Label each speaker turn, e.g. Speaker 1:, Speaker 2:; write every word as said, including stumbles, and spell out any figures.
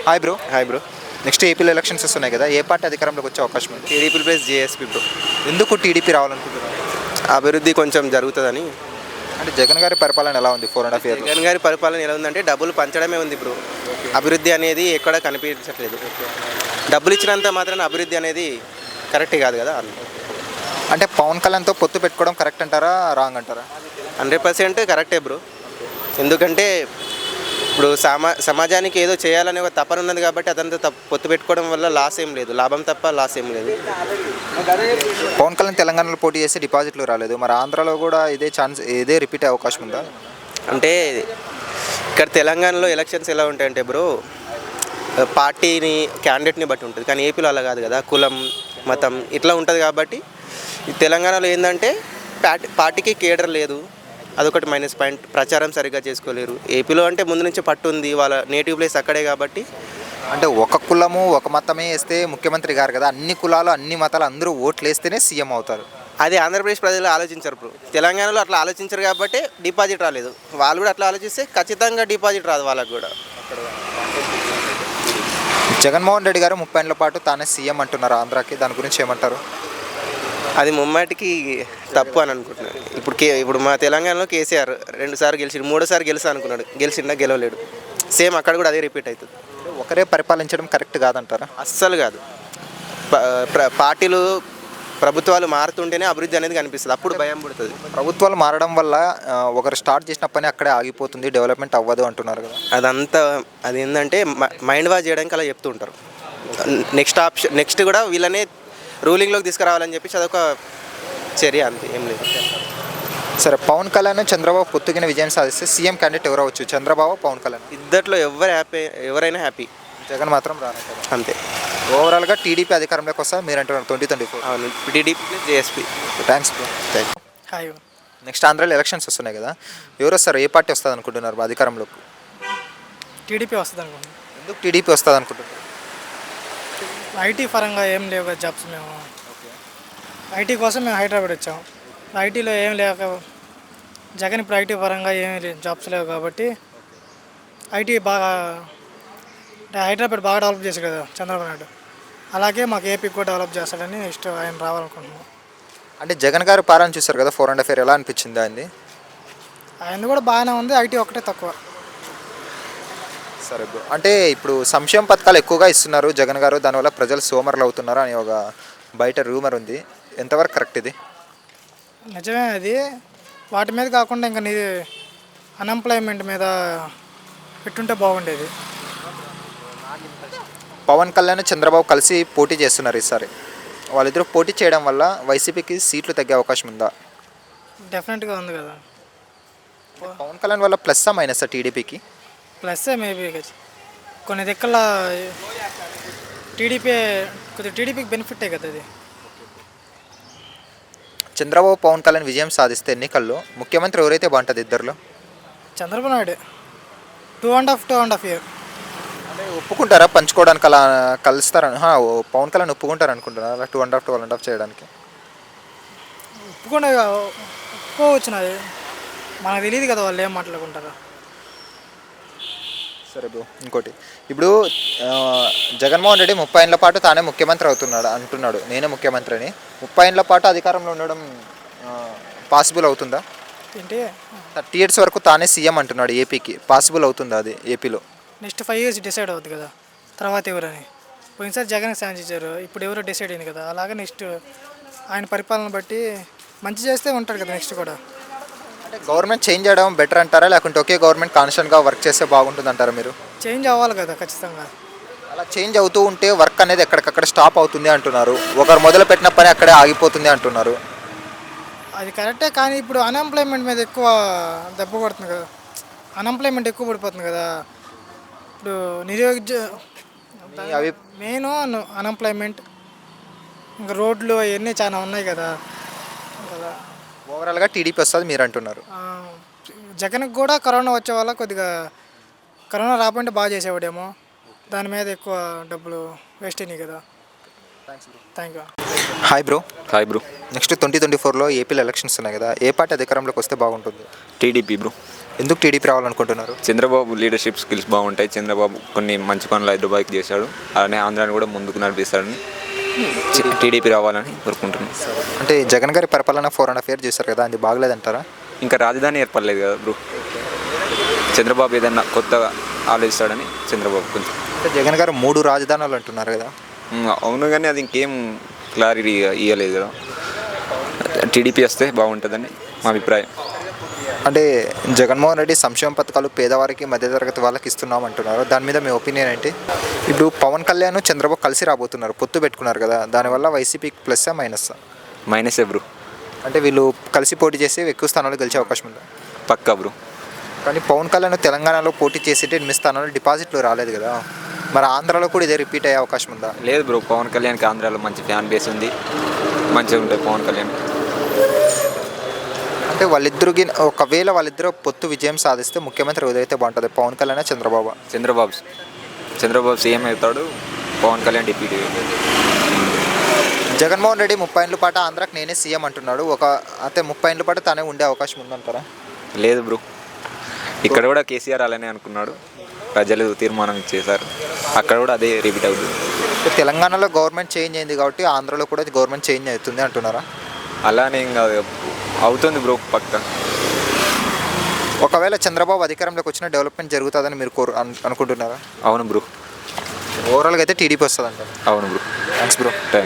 Speaker 1: Hi bro.
Speaker 2: Hi bro.
Speaker 1: Next ఏపీలో elections వస్తున్నాయి కదా, ఏ పార్టీ అధికారంలోకి వచ్చే అవకాశం ఉంది?
Speaker 2: TDP plus JSP bro.
Speaker 1: ఎందుకు టీడీపీ రావాలనుకుంటున్నారు?
Speaker 2: అభివృద్ధి కొంచెం జరుగుతుందని.
Speaker 1: అంటే జగన్ గారి పరిపాలన ఎలా ఉంది four and half year?
Speaker 2: Jagan గారి పరిపాలన ఎలా ఉందంటే డబ్బులు పంచడమే ఉంది బ్రో. అభివృద్ధి అనేది ఎక్కడ కనిపించట్లేదు. డబ్బులు ఇచ్చినంత మాత్రాన అభివృద్ధి అనేది కరెక్ట్ కాదు కదా.
Speaker 1: అంటే పవన్ కళ్యాణ్తో పొత్తు పెట్టుకోవడం కరెక్ట్ అంటారా, రాంగ్ అంటారా?
Speaker 2: హండ్రెడ్ పర్సెంట్ కరెక్టే బ్రో. ఎందుకంటే ఇప్పుడు సమా సమాజానికి ఏదో చేయాలనే ఒక తపన ఉన్నది కాబట్టి అతనితో తప్ప పొత్తు పెట్టుకోవడం వల్ల లాస్ ఏం లేదు, లాభం తప్ప లాస్ ఏం లేదు.
Speaker 1: పవన్ కళ్యాణ్ తెలంగాణలో పోటీ చేస్తే డిపాజిట్లు రాలేదు, మరి ఆంధ్రాలో కూడా ఇదే ఛాన్స్, ఇదే రిపీట్ అయ్యే అవకాశం ఉందా?
Speaker 2: అంటే ఇక్కడ తెలంగాణలో ఎలక్షన్స్ ఎలా ఉంటాయంటే బ్రో, పార్టీని క్యాండిడేట్ని బట్టి ఉంటుంది. కానీ ఏపీలో అలా కాదు కదా, కులం మతం ఇట్లా ఉంటుంది. కాబట్టి ఈ తెలంగాణలో ఏంటంటే పార్టీ పార్టీకి కేడర్ లేదు, అదొకటి మైనస్ పాయింట్. ప్రచారం సరిగ్గా చేసుకోలేరు. ఏపీలో అంటే ముందు నుంచి పట్టు ఉంది, వాళ్ళ నేటివ్ ప్లేస్ అక్కడే కాబట్టి.
Speaker 1: అంటే ఒక కులము ఒక మతమే వేస్తే ముఖ్యమంత్రి గారు కదా, అన్ని కులాలు అన్ని మతాలు అందరూ ఓట్లు వేస్తేనే సీఎం అవుతారు.
Speaker 2: అది ఆంధ్రప్రదేశ్ ప్రజలు ఆలోచించరు బ్రో. తెలంగాణలో అట్లా ఆలోచించరు కాబట్టి డిపాజిట్ రాలేదు. వాళ్ళు కూడా అట్లా ఆలోచిస్తే ఖచ్చితంగా డిపాజిట్ రాదు వాళ్ళకు కూడా.
Speaker 1: జగన్మోహన్ రెడ్డి గారు ముప్పై ఏళ్ళ పాటు తానే సీఎం అంటున్నారు ఆంధ్రాకి, దాని గురించి ఏమంటారు?
Speaker 2: అది ముమ్మాటికి తప్పు అని అనుకుంటున్నాను. ఇప్పుడు కే ఇప్పుడు మా తెలంగాణలో కేసీఆర్ రెండుసార్లు గెలిచి మూడోసారి గెలుస్తా అనుకున్నాడు, గెలిచిండా గెలవలేడు. సేమ్ అక్కడ కూడా అదే రిపీట్ అవుతుంది.
Speaker 1: ఒకరే పరిపాలించడం కరెక్ట్ కాదంటారా?
Speaker 2: అస్సలు కాదు. పార్టీలు ప్రభుత్వాలు మారుతుంటేనే అభివృద్ధి అనేది కనిపిస్తుంది, అప్పుడు భయం పుడుతుంది.
Speaker 1: ప్రభుత్వాలు మారడం వల్ల ఒకరు స్టార్ట్ చేసిన పని అక్కడే ఆగిపోతుంది, డెవలప్మెంట్ అవ్వదు అంటున్నారు కదా.
Speaker 2: అదంతా అది ఏంటంటే మైండ్ వాష్ చేయడానికి అలా చెప్తూ ఉంటారు. నెక్స్ట్ ఆప్షన్ నెక్స్ట్ కూడా వీళ్ళనే రూలింగ్లోకి తీసుకురావాలని చెప్పి అదొక చర్య, అంతే, ఏం లేదు.
Speaker 1: సరే, పవన్ కళ్యాణ్ చంద్రబాబు పొత్తుగిన విజయం సాధిస్తే సీఎం క్యాండిడేట్ ఎవరు అవచ్చు, చంద్రబాబు పవన్ కళ్యాణ్?
Speaker 2: ఇద్దట్లో ఎవరు హ్యాపీ, ఎవరైనా హ్యాపీ.
Speaker 1: జగన్ మాత్రం రానంటారు
Speaker 2: అంతే.
Speaker 1: ఓవరాల్గా టీడీపీ అధికారంలోకి వస్తా మీరు అంటున్నారు ట్వంటీ ట్వంటీ ఫోర్?
Speaker 2: అవును, TDP plus JSP.
Speaker 1: Thanks bro. Thank you.
Speaker 3: Hi.
Speaker 1: Next ఆంధ్రాలో ఎలక్షన్స్ వస్తున్నాయి కదా, ఎవరు వస్తారు, ఏ పార్టీ వస్తుంది అనుకుంటున్నారు అధికారంలోకి?
Speaker 3: టీడీపీ వస్తుంది అనుకుంటున్నాను.
Speaker 1: ఎందుకు టీడీపీ వస్తుంది అనుకుంటున్నారు?
Speaker 3: ఐటీ పరంగా ఏం లేవు కదా జాబ్స్. మేము ఐటీ కోసం మేము హైదరాబాద్ వచ్చాము. ఐటీలో ఏం లేక జగన్ ఇప్పుడు ఐటీ పరంగా ఏమి జాబ్స్ లేవు కాబట్టి ఐటీ బాగా హైదరాబాద్ బాగా డెవలప్ చేశారు కదా చంద్రబాబు నాయుడు, అలాగే మాకు ఏపీకి కూడా డెవలప్ చేస్తాడని నెక్స్ట్ ఆయన రావాలనుకుంటున్నాం.
Speaker 1: అంటే జగన్ గారు పాలన చూస్తారు కదా, ఫోర్ అండ్ ఫైర్ ఎలా అనిపించింది ఆయనది?
Speaker 3: ఆయన కూడా బాగానే ఉంది, ఐటీ ఒకటే తక్కువ.
Speaker 1: సరే బ్రో, అంటే ఇప్పుడు సంక్షేమ పథకాలు ఎక్కువగా ఇస్తున్నారు జగన్ గారు, దానివల్ల ప్రజలు సోమరులు అవుతున్నారు అని ఒక బయట రూమర్ ఉంది, ఎంతవరకు కరెక్ట్ ఇది?
Speaker 3: నిజమే అది. వాటి మీద కాకుండా ఇంకా నీ అన్ఎంప్లాయ్మెంట్ మీద పెట్టుంటే బాగుండేది.
Speaker 1: పవన్ కళ్యాణ్ చంద్రబాబు కలిసి పోటీ చేస్తున్నారు ఈసారి, వాళ్ళిద్దరూ పోటీ చేయడం వల్ల వైసీపీకి సీట్లు తగ్గే అవకాశం ఉందా?
Speaker 3: డెఫినెట్గా ఉంది కదా.
Speaker 1: పవన్ కళ్యాణ్ వల్ల ప్లస్సా మైనసా టీడీపీకి?
Speaker 3: ప్లస్సే మేబీ. కొన్ని దిక్కల టీడీపీ కొద్దిగా టీడీపీకి బెనిఫిటే కదా అది.
Speaker 1: చంద్రబాబు పవన్ కళ్యాణ్ విజయం సాధిస్తే ఎన్నికల్లో ముఖ్యమంత్రి ఎవరైతే బాగుంటుంది ఇద్దరిలో?
Speaker 3: Chandrababu Naidu. Two and half two and half year
Speaker 1: అంటే ఒప్పుకుంటారా పంచుకోవడానికి, అలా కలుస్తారని పవన్ కళ్యాణ్ ఒప్పుకుంటారు అనుకుంటున్నారు అలా two and half two and half చేయడానికి?
Speaker 3: ఒప్పుకుండా ఒప్పుకోవచ్చు, నాది మనకు తెలియదు కదా వాళ్ళు ఏం మాట్లాడుకుంటారా.
Speaker 1: సరే బ్రో, ఇంకోటి ఇప్పుడు జగన్మోహన్ రెడ్డి ముప్పై ఏళ్ళ పాటు తానే ముఖ్యమంత్రి అవుతున్నాడు అంటున్నాడు, నేనే ముఖ్యమంత్రి అని. ముప్పై ఏళ్ళ పాటు అధికారంలో ఉండడం పాసిబుల్ అవుతుందా?
Speaker 3: ఏంటి
Speaker 1: థర్టీ ఇయర్స్ వరకు తానే సీఎం అంటున్నాడు ఏపీకి, పాసిబుల్ అవుతుందా అది ఏపీలో?
Speaker 3: నెక్స్ట్ ఫైవ్ ఇయర్స్ డిసైడ్ అవుద్ది కదా తర్వాత ఎవరని. పోయినసారి జగన్ ఛాన్స్ ఇచ్చారు, ఇప్పుడు ఎవరో డిసైడ్ అయింది కదా. అలాగే నెక్స్ట్ ఆయన పరిపాలన బట్టి మంచి చేస్తే ఉంటాడు కదా నెక్స్ట్ కూడా.
Speaker 1: అంటే గవర్నమెంట్ చేంజ్ చేయడం బెటర్ అంటారా, లేకుంటే ఒకే గవర్నమెంట్ కాన్స్టెంట్గా వర్క్ చేస్తే బాగుంటుంది అంటారా మీరు?
Speaker 3: చేంజ్ అవ్వాలి కదా ఖచ్చితంగా.
Speaker 1: అలా చేంజ్ అవుతూ ఉంటే వర్క్ అనేది ఎక్కడికక్కడ స్టాప్ అవుతుంది అంటున్నారు, ఒకరు మొదలు పెట్టిన పని అక్కడే ఆగిపోతుంది అంటున్నారు.
Speaker 3: అది కరెక్టే, కానీ ఇప్పుడు అన్ఎంప్లాయ్మెంట్ మీద ఎక్కువ దెబ్బ పడుతుంది కదా. అన్ఎంప్లాయ్మెంట్ ఎక్కువ పడిపోతుంది కదా ఇప్పుడు. నిరుద్యోగ
Speaker 1: అవి
Speaker 3: మెయిన్ అన్ఎంప్లాయ్మెంట్, ఇంకా రోడ్లు అవన్నీ చాలా ఉన్నాయి కదా. కదా
Speaker 1: ఓవరాల్గా టీడీపీ వస్తుంది మీరు అంటున్నారు.
Speaker 3: జగన్కి కూడా కరోనా వచ్చే వల్ల కొద్దిగా కరోనా రాకుంటే బాగా చేసేవాడేమో, దాని మీద ఎక్కువ డబ్బులు వేస్ట్ అయినాయి కదా. Thank you.
Speaker 1: Hi bro.
Speaker 4: Hi bro.
Speaker 1: Next twenty twenty ఫోర్లో ఏపీలో ఎలక్షన్స్ ఉన్నాయి కదా, ఏ పార్టీ అధికారంలోకి వస్తే బాగుంటుంది?
Speaker 4: TDP bro.
Speaker 1: ఎందుకు టీడీపీ రావాలనుకుంటున్నారు?
Speaker 4: చంద్రబాబు లీడర్షిప్ స్కిల్స్ బాగుంటాయి. చంద్రబాబు కొన్ని మంచి పనులు హైదరాబాద్కి చేశాడు. అలానే ఆంధ్రాని కూడా ముందుకు నడిపిస్తాడని చి- టీడీపీ రావాలని కోరుకుంటున్నాను.
Speaker 1: అంటే జగన్ గారి పరిపాలన ఫోర్ అండ్ హాఫ్ ఇయర్ చేశారు కదా, అది బాగలేదంటారా?
Speaker 4: ఇంకా రాజధాని ఏర్పడలేదు కదా బ్రో. చంద్రబాబు ఏదన్నా కొత్తగా ఆలోచిస్తాడని చంద్రబాబు కొంచెం
Speaker 1: అంటే జగన్ గారు మూడు రాజధానులు అంటున్నారు కదా.
Speaker 4: ఉమ్, అవును, కానీ అది ఇంకేం క్లారిటీ ఇవ్వలేదు కదా. టీడీపీ వస్తే బాగుంటుందని మా అభిప్రాయం.
Speaker 1: అంటే జగన్మోహన్ రెడ్డి సంక్షేమ పథకాలు పేదవారికి మధ్యతరగతి వాళ్ళకి ఇస్తున్నాం అంటున్నారు, దాని మీద మీ ఒపీనియన్ ఏంటి? ఇప్పుడు పవన్ కళ్యాణ్ చంద్రబాబు కలిసి రాబోతున్నారు, పొత్తు పెట్టుకున్నారు కదా, దానివల్ల వైసీపీకి ప్లస్ మైనస్?
Speaker 4: మైనసే బ్రో.
Speaker 1: అంటే వీళ్ళు కలిసి పోటీ చేసి ఎక్కువ స్థానాలు గెలిచే అవకాశం ఉందా?
Speaker 4: పక్కా బ్రో.
Speaker 1: కానీ పవన్ కళ్యాణ్ తెలంగాణలో పోటీ చేసి ఎనిమిది స్థానాలు డిపాజిట్లు రాలేదు కదా, మరి ఆంధ్రాలో కూడా ఇదే రిపీట్ అయ్యే అవకాశం ఉందా?
Speaker 4: లేదు బ్రో, పవన్ కళ్యాణ్కి ఆంధ్రాలో మంచి ఫ్యాన్ బేస్ ఉంది, మంచిగా ఉంటుంది పవన్ కళ్యాణ్.
Speaker 1: అంటే వాళ్ళిద్దరికి ఒకవేళ వాళ్ళిద్దరూ పొత్తు విజయం సాధిస్తే ముఖ్యమంత్రి ఏదైతే బాగుంటుంది, పవన్ కళ్యాణ్ చంద్రబాబు?
Speaker 4: చంద్రబాబు చంద్రబాబు సీఎం అవుతాడు, పవన్ కళ్యాణ్ డిప్యూటీ.
Speaker 1: జగన్మోహన్ రెడ్డి ముప్పై ఏళ్ళ పాటు ఆంధ్రాకి నేనే సీఎం అంటున్నాడు, ఒక అయితే ముప్పై ఏళ్ళ పాటు తానే ఉండే అవకాశం ఉందంటారా?
Speaker 4: లేదు బ్రో, ఇక్కడ కూడా కేసీఆర్ అలానే అనుకున్నాడు, ప్రజలు తీర్మానం చేశారు, అక్కడ కూడా అదే రిపీట్ అవుతుంది.
Speaker 1: అంటే తెలంగాణలో గవర్నమెంట్ చేంజ్ అయింది కాబట్టి ఆంధ్రాలో కూడా గవర్నమెంట్ చేంజ్ అవుతుంది అంటున్నారా?
Speaker 4: అలానే ఇంకా అవుతుంది బ్రో పక్క.
Speaker 1: ఒకవేళ చంద్రబాబు అధికారంలోకి వచ్చిన డెవలప్మెంట్ జరుగుతుందని మీరు కోరు అను- అనుకుంటున్నారా?
Speaker 4: అవును బ్రో.
Speaker 1: ఓవరాల్గా అయితే టీడీపీ వస్తుంది అంటారు.
Speaker 4: అవును బ్రో.
Speaker 1: Thanks bro.
Speaker 4: థ్యాంక్